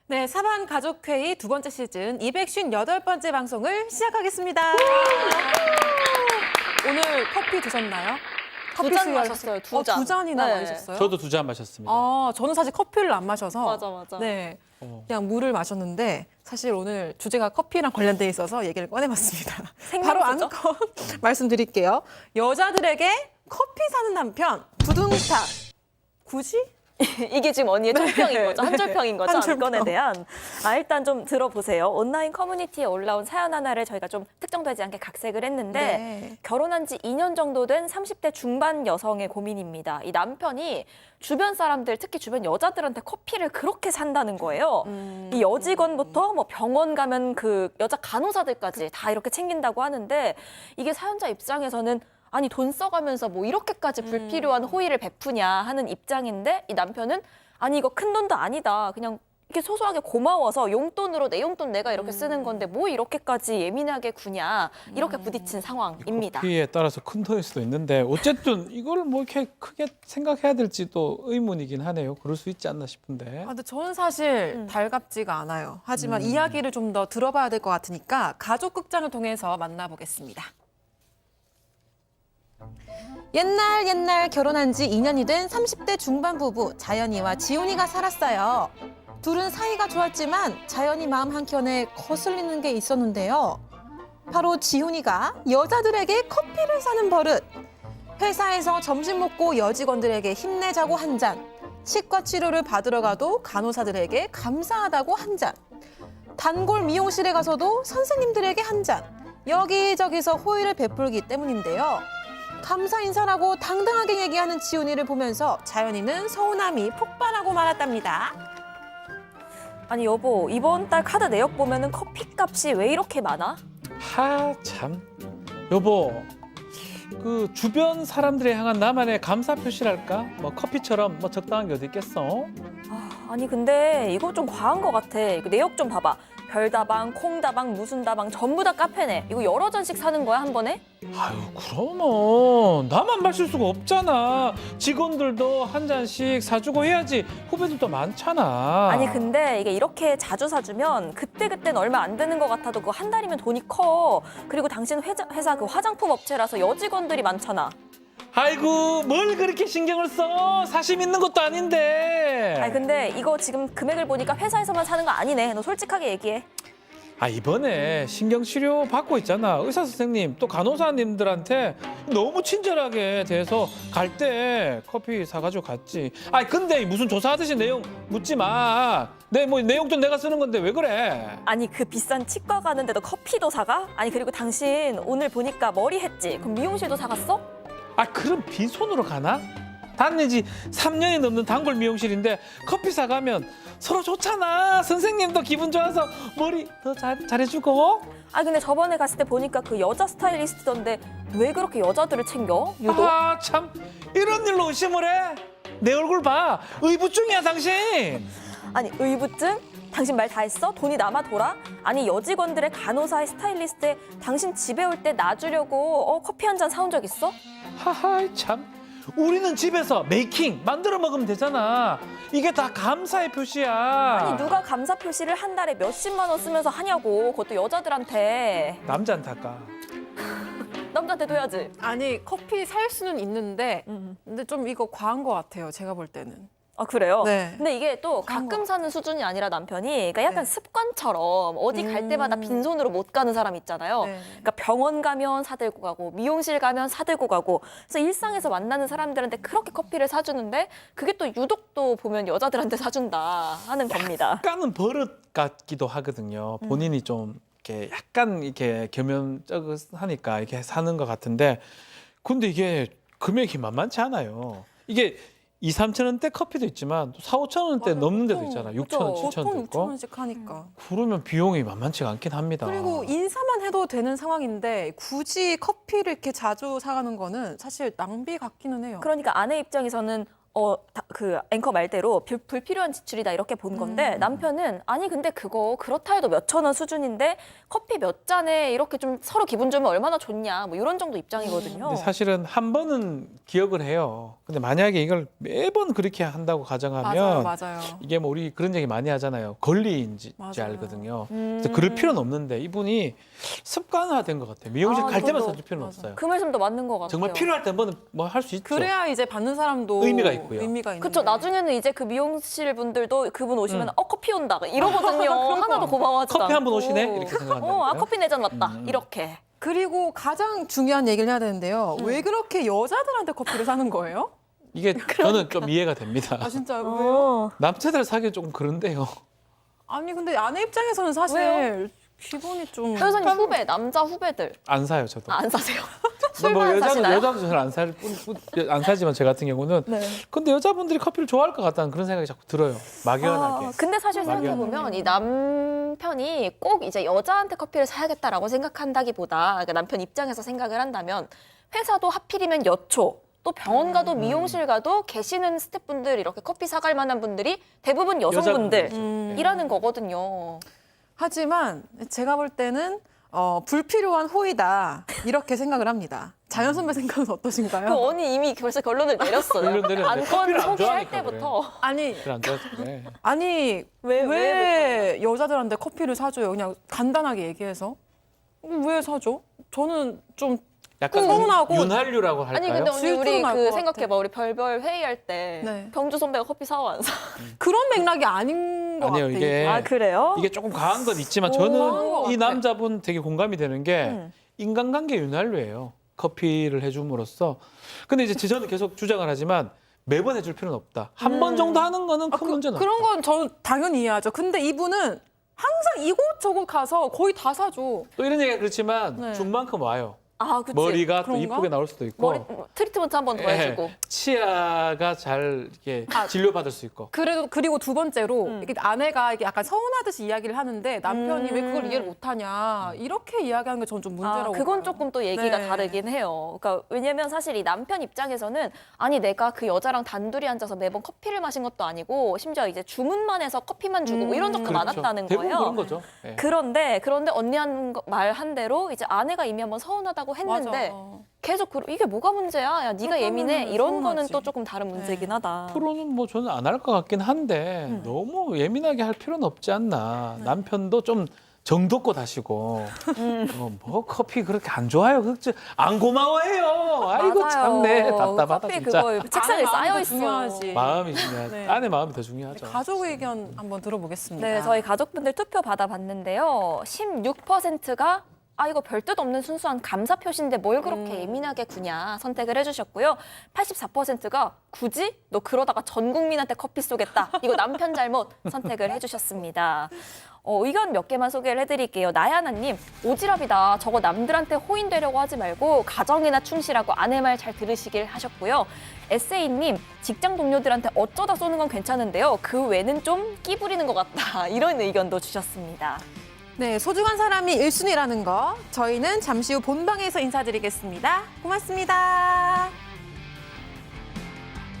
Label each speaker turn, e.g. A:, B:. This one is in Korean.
A: 네, 사반 가족회의 두 번째 시즌 258번째 방송을 시작하겠습니다. 오늘 커피 드셨나요?
B: 두 잔 마셨어요, 두 잔.
A: 두 잔이나
B: 네.
A: 마셨어요?
C: 저도 2잔 마셨습니다.
A: 저는 사실 커피를 안 마셔서
B: 맞아.
A: 네, 그냥 물을 마셨는데 사실 오늘 주제가 커피랑 관련돼 있어서 얘기를 꺼내봤습니다. 바로
B: 생명수죠?
A: 안건 말씀드릴게요. 여자들에게 커피 사는 남편 두둥탁. 굳이?
B: 이게 지금 언니의 총평인 거죠? 한줄평인 거죠?
A: 한줄평.
B: 안건에 대한. 일단 좀 들어보세요. 온라인 커뮤니티에 올라온 사연 하나를 저희가 좀 특정되지 않게 각색을 했는데
A: 네.
B: 결혼한 지 2년 정도 된 30대 중반 여성의 고민입니다. 이 남편이 주변 사람들, 특히 주변 여자들한테 커피를 그렇게 산다는 거예요. 이 여직원부터 뭐 병원 가면 그 여자 간호사들까지 다 이렇게 챙긴다고 하는데 이게 사연자 입장에서는 아니 돈 써가면서 뭐 이렇게까지 불필요한 호의를 베푸냐 하는 입장인데 이 남편은 아니 이거 큰 돈도 아니다. 그냥 이렇게 소소하게 고마워서 용돈으로 내 용돈 내가 이렇게 쓰는 건데 뭐 이렇게까지 예민하게 구냐 이렇게 부딪힌 상황입니다.
C: 커피에 따라서 큰 돈일 수도 있는데 어쨌든 이걸 뭐 이렇게 크게 생각해야 될지도 의문이긴 하네요. 그럴 수 있지 않나 싶은데.
A: 근데 저는 사실 달갑지가 않아요. 하지만 이야기를 좀 더 들어봐야 될 것 같으니까 가족극장을 통해서 만나보겠습니다. 옛날 결혼한 지 2년이 된 30대 중반 부부 자연이와 지훈이가 살았어요. 둘은 사이가 좋았지만 자연이 마음 한켠에 거슬리는 게 있었는데요. 바로 지훈이가 여자들에게 커피를 사는 버릇. 회사에서 점심 먹고 여직원들에게 힘내자고 한 잔. 치과 치료를 받으러 가도 간호사들에게 감사하다고 한 잔. 단골 미용실에 가서도 선생님들에게 한 잔. 여기저기서 호의를 베풀기 때문인데요. 감사 인사라고 당당하게 얘기하는 지훈이를 보면서 자연이는 서운함이 폭발하고 말았답니다.
B: 아니 여보 이번 달 카드 내역 보면은 커피값이 왜 이렇게 많아?
C: 참. 여보, 그 주변 사람들에 향한 나만의 감사 표시랄까? 뭐 커피처럼 뭐 적당한 게 어디 있겠어?
B: 아니 근데 이거 좀 과한 것 같아. 이거 내역 좀 봐봐. 별다방, 콩다방, 무슨 다방 전부 다 카페네. 이거 여러 잔씩 사는 거야 한 번에?
C: 아유, 그러면 나만 마실 수가 없잖아. 직원들도 한 잔씩 사주고 해야지. 후배들도 많잖아.
B: 아니 근데 이게 이렇게 자주 사주면 그때그때는 얼마 안 드는 것 같아도 그거 한 달이면 돈이 커. 그리고 당신 회사 그 화장품 업체라서 여직원들이 많잖아.
C: 아이고, 뭘 그렇게 신경을 써? 사심 있는 것도 아닌데.
B: 아니 근데 이거 지금 금액을 보니까 회사에서만 사는 거 아니네. 너 솔직하게 얘기해.
C: 이번에 신경치료 받고 있잖아. 의사 선생님 또 간호사님들한테 너무 친절하게 대해서 갈 때 커피 사가지고 갔지. 근데 무슨 조사하듯이 내용 묻지 마. 내 내용도 내가 쓰는 건데 왜 그래?
B: 아니 그 비싼 치과 가는데도 커피도 사가? 아니 그리고 당신 오늘 보니까 머리 했지? 그럼 미용실도 사갔어?
C: 그럼 빈손으로 가나? 다닌 지 3년이 넘는 단골 미용실인데 커피 사가면 서로 좋잖아. 선생님도 기분 좋아서 머리 더 잘해주고.
B: 근데 저번에 갔을 때 보니까 그 여자 스타일리스트던데 왜 그렇게 여자들을 챙겨? 유독?
C: 참 이런 일로 의심을 해? 내 얼굴 봐. 의부증이야 당신.
B: 아니 의부증? 당신 말 다 했어? 돈이 남아 돌아? 아니 여직원들의 간호사의 스타일리스트에 당신 집에 올 때 놔주려고 커피 한 잔 사온 적 있어?
C: 참. 우리는 집에서 메이킹 만들어 먹으면 되잖아. 이게 다 감사의 표시야.
B: 아니 누가 감사 표시를 한 달에 몇십만 원 쓰면서 하냐고. 그것도 여자들한테.
C: 남자한테 할까?
B: 남자한테도 해야지.
A: 아니 커피 살 수는 있는데 근데 좀 이거 과한 것 같아요. 제가 볼 때는.
B: 그래요?
A: 네.
B: 근데 이게 또
A: 그런
B: 가끔 사는 수준이 아니라 남편이 그러니까 약간
A: 네.
B: 습관처럼 어디 갈 때마다 빈손으로 못 가는 사람 있잖아요.
A: 네.
B: 그러니까 병원 가면 사들고 가고 미용실 가면 사들고 가고 그래서 일상에서 만나는 사람들한테 그렇게 커피를 사주는데 그게 또 유독 또 보면 여자들한테 사준다 하는 겁니다.
C: 약간은 버릇 같기도 하거든요. 본인이 좀 이렇게 약간 이렇게 겸연쩍하니까 이렇게 사는 것 같은데 근데 이게 금액이 만만치 않아요. 이게 2, 3천 원대 커피도 있지만 또 4, 5천 원대
A: 맞아요.
C: 넘는 데도
A: 보통,
C: 있잖아.
B: 그죠.
C: 6천 원, 7천
A: 보통
C: 원도
A: 6천
C: 있고.
A: 원씩 하니까.
C: 그러면 비용이 만만치가 않긴 합니다.
A: 그리고 인사만 해도 되는 상황인데 굳이 커피를 이렇게 자주 사가는 거는 사실 낭비 같기는 해요.
B: 그러니까 아내 입장에서는 그 앵커 말대로 불필요한 지출이다 이렇게 본 건데 남편은 아니 근데 그거 그렇다 해도 몇천 원 수준인데 커피 몇 잔에 이렇게 좀 서로 기분 좋으면 얼마나 좋냐 뭐 이런 정도 입장이거든요.
C: 근데 사실은 한 번은 기억을 해요. 근데 만약에 이걸 매번 그렇게 한다고 가정하면
D: 맞아요.
C: 이게 뭐 우리 그런 얘기 많이 하잖아요. 권리인지
D: 맞아요.
C: 알거든요. 그래서 그럴 필요는 없는데 이분이 습관화된 것 같아요. 미용실 갈 때만
B: 저도
C: 사줄 필요는
D: 맞아.
C: 없어요.
B: 그 말씀도 맞는 것 같아요.
C: 정말 필요할 때 한 번은 뭐 할 수 있죠.
D: 그래야 이제 받는 사람도
C: 의미가 있고요.
D: 의미가 있는.
B: 그렇죠. 나중에는 이제 그 미용실 분들도 그분 오시면 커피 온다 이러거든요. 하나도 고마워하지도
C: 커피 한 번
B: 않고.
C: 오시네 이렇게 생각한다니까요.
B: 커피 4잔 왔다 이렇게.
A: 그리고 가장 중요한 얘기를 해야 되는데요. 왜 그렇게 여자들한테 커피를 사는 거예요?
C: 이게 저는 좀 이해가 됩니다.
D: 아 진짜 왜요?
C: 남자들 사기 조금 그런데요.
D: 아니 근데 아내 입장에서는 사실
B: 왜요?
D: 기분이 좀.
B: 변호사님 후배, 남자 후배들
C: 안 사요 저도.
B: 안 사세요?
C: 뭐
B: 술만 사시나요?
C: 여자도 잘 안 사지만 제 같은 경우는
B: 네.
C: 근데 여자분들이 커피를 좋아할 것 같다는 그런 생각이 자꾸 들어요. 막연하게.
B: 근데 사실
C: 막연하게.
B: 생각해보면 이 남편이 꼭 이제 여자한테 커피를 사야겠다라고 생각한다기보다 그러니까 남편 입장에서 생각을 한다면 회사도 하필이면 여초 또 병원 가도 미용실 가도 계시는 스태프분들 이렇게 커피 사갈 만한 분들이 대부분 여성분들이라는 거거든요.
A: 하지만 제가 볼 때는 불필요한 호의다 이렇게 생각을 합니다. 자연 선배 생각은 어떠신가요?
B: 그 언니 이미 벌써 결론을 내렸어요.
C: 결론 내렸는데
B: 안건
C: 커피를 안
B: 소개할
C: 좋아하니까
B: 때부터.
A: 아니
C: 그래 안 좋아서 그래.
A: 아니 왜 여자들한테 커피를 사줘요? 그냥 간단하게 얘기해서 왜 사줘? 저는 좀
C: 약간
A: 서운하고.
C: 윤활유라고 할까요?
B: 아니 근데 언니 우리
A: 질투는 날것
B: 그
A: 같아.
B: 생각해봐. 우리 별별 회의할 때
A: 네.
B: 병주 선배가 커피 사와 안 사?
A: 그런 맥락이 아닌 것
C: 아니에요,
A: 같아요.
C: 이게
B: 아 그래요?
C: 이게 조금 과한 건 있지만
A: 과한 것
C: 저는 이
A: 같아.
C: 남자분 되게 공감이 되는 게
B: 음.
C: 인간관계 윤활유예요. 커피를 해줌으로써. 근데 이제 저는 계속 주장을 하지만 매번 해줄 필요는 없다. 한 번 정도 하는 거는 큰 문제는 없다.
A: 그런 건 저는 당연히 이해하죠. 근데 이분은 항상 이곳저곳 가서 거의 다 사줘.
C: 또 이런 얘기가 그렇지만
A: 네.
C: 준 만큼 와요.
B: 아 그치.
C: 머리가 또
A: 그런가?
C: 이쁘게 나올 수도 있고
B: 머리 트리트먼트 한 번 더
C: 예,
B: 해주고.
C: 치아가 잘 이렇게 진료받을 수 있고.
A: 그리고 두 번째로 이렇게 아내가 이게 약간 서운하듯이 이야기를 하는데 남편이 왜 그걸 이해를 못하냐 이렇게 이야기하는 게 저는 좀 문제라고.
B: 그건
A: 봐요.
B: 조금 또 얘기가
A: 네.
B: 다르긴 해요. 그러니까 왜냐면 사실 이 남편 입장에서는 아니 내가 그 여자랑 단둘이 앉아서 매번 커피를 마신 것도 아니고 심지어 이제 주문만 해서 커피만 주고 뭐 이런 적도 많았다는
C: 대부분
B: 거예요.
C: 그런 거죠. 예.
B: 그런데 언니 말 한 대로 이제 아내가 이미 한번 서운하다고 했는데
A: 맞아.
B: 계속 이게 뭐가 문제야? 야 네가
A: 그렇다면은
B: 예민해. 이런 거는
A: 서운하지.
B: 또 조금 다른 문제긴 하다.
C: 앞으로는 뭐 저는 안 할 것 같긴 한데 너무 예민하게 할 필요는 없지 않나. 남편도 좀 정도껏 하시고 뭐 커피 그렇게 안 좋아요. 그렇지 안 고마워해요. 아이고
B: 맞아요.
C: 참네 답답하다
B: 커피
C: 진짜.
B: 그거 책상에
A: 아내 마음도
B: 쌓여 있어.
A: 중요하지.
C: 마음이 중요하죠.
A: 네.
C: 아내 마음이 더 중요하죠.
A: 가족 의견 한번 들어보겠습니다.
B: 네, 저희 가족분들 투표 받아봤는데요. 16%가 이거 별 뜻 없는 순수한 감사 표시인데 뭘 그렇게 예민하게 구냐 선택을 해주셨고요. 84%가 굳이 너 그러다가 전 국민한테 커피 쏘겠다. 이거 남편 잘못 선택을 해주셨습니다. 의견 몇 개만 소개를 해드릴게요. 나야나님, 오지랖이다. 저거 남들한테 호인되려고 하지 말고 가정이나 충실하고 아내 말 잘 들으시길 하셨고요. 에세이님, 직장 동료들한테 어쩌다 쏘는 건 괜찮은데요. 그 외는 좀 끼부리는 것 같다. 이런 의견도 주셨습니다.
A: 네, 소중한 사람이 1순위라는 거 저희는 잠시 후 본방에서 인사드리겠습니다. 고맙습니다.